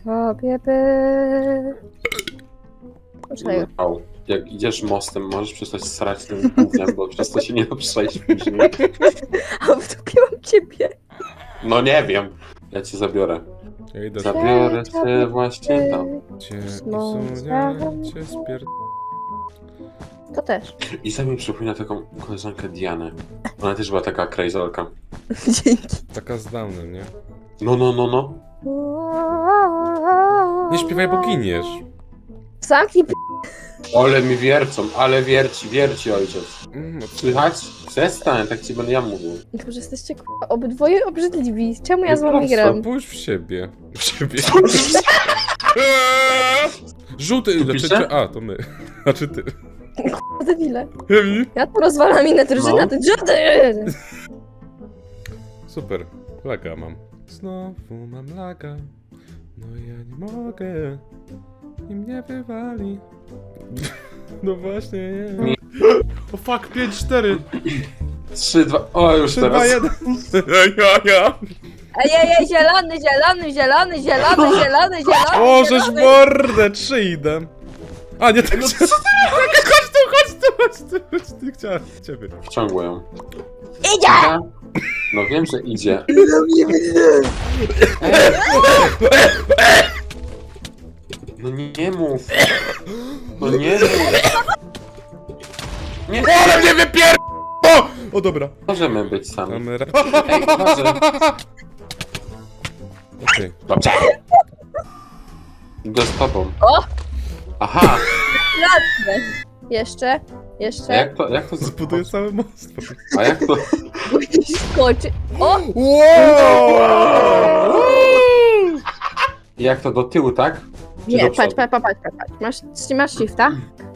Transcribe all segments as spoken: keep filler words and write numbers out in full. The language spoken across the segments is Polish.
sobie by... Poczekaj. Au. Jak idziesz mostem, możesz przestać srać tym gównem, bo przez to się nie da przejść później. A wtopiłam ciebie. No nie wiem. Ja cię zabiorę. Ja idę Zabiorę cię właśnie tam. cię No, i sunia cię spier... To też. I sam mi przypomina taką koleżankę Dianę. Ona też była taka krajzolka. Dzięki. Taka z Downem, nie? No, no, no, no. Nie śpiewaj, bo giniesz. Zamknij p... Ale mi wiercą, ale wierci, wierci ojciec. Mm, no, Słychać? Przestań, tak ci będę ja mówił. Boże, jesteście k***a, obydwoje obrzydliwi. Czemu ja z wami Prosto. gram? Pójdź w siebie. W siebie. Żółty, Tu znaczy, pisze? a, to my. Znaczy ty. Debile. Hemi? Ja tu rozwalam inne drużyny, No. a ty żady! Super. Laga mam. Znowu mam laga. No ja nie mogę. I mnie wywali. No właśnie, nie. O fuck, pięć cztery. Trzy, dwa, o już trzy, dwa, teraz. jeden. Ja, ja. Ej, ej, ej, zielony, zielony, zielony, zielony, zielony, zielony, O, żeś zielony. mordę, trzy idę. A, nie tak. No, co ty? Chodź tu, chodź tu, chodź tu, chodź tu, chciałem ciebie. Wciągło ją. Idzie! No wiem, że idzie. No nie mów. No nie mów. Nie Ale mnie wypier... O! O, dobra. możemy być sami. Mamy ra... Ej, uważaj. Okej. Dobrze. Idę z tobą. O! Aha! Ładne. Jeszcze, A jeszcze. jak to, jak to Zbuduję cały most. A jak to? Skoczy. O! Wow! Jak to do tyłu, tak? Czy Nie, do patrz, przodu? patrz, patrz, patrz, patrz. Masz, czy masz shifta?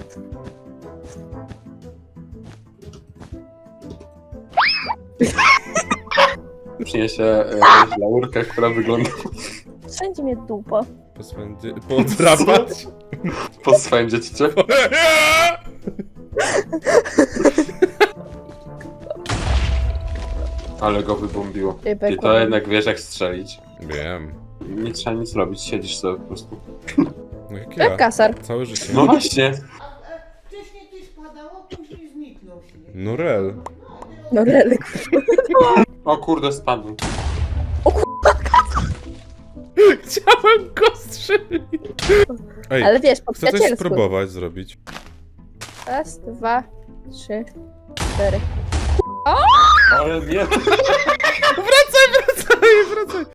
Przyniesie e, jakąś laurkę, która wygląda Wszędzie mnie dupa. Poswędzie... Podrapać? poswędzić cię. Ale go wybombiło. I to jednak wiesz jak strzelić. Wiem. Nie trzeba nic robić, siedzisz sobie po prostu. No jak Jak ja. kasar. Całe życie. No właśnie. Wcześniej ty spadało, później zniknął śnieg. No rel. No relek. O kurde, spadł. Chciałem go strzelić. Ej, Ale wiesz, po chcę coś przyjacielsku. spróbować zrobić. Raz, dwa, trzy, cztery. Ale nie. Wracaj, wracaj, wracaj.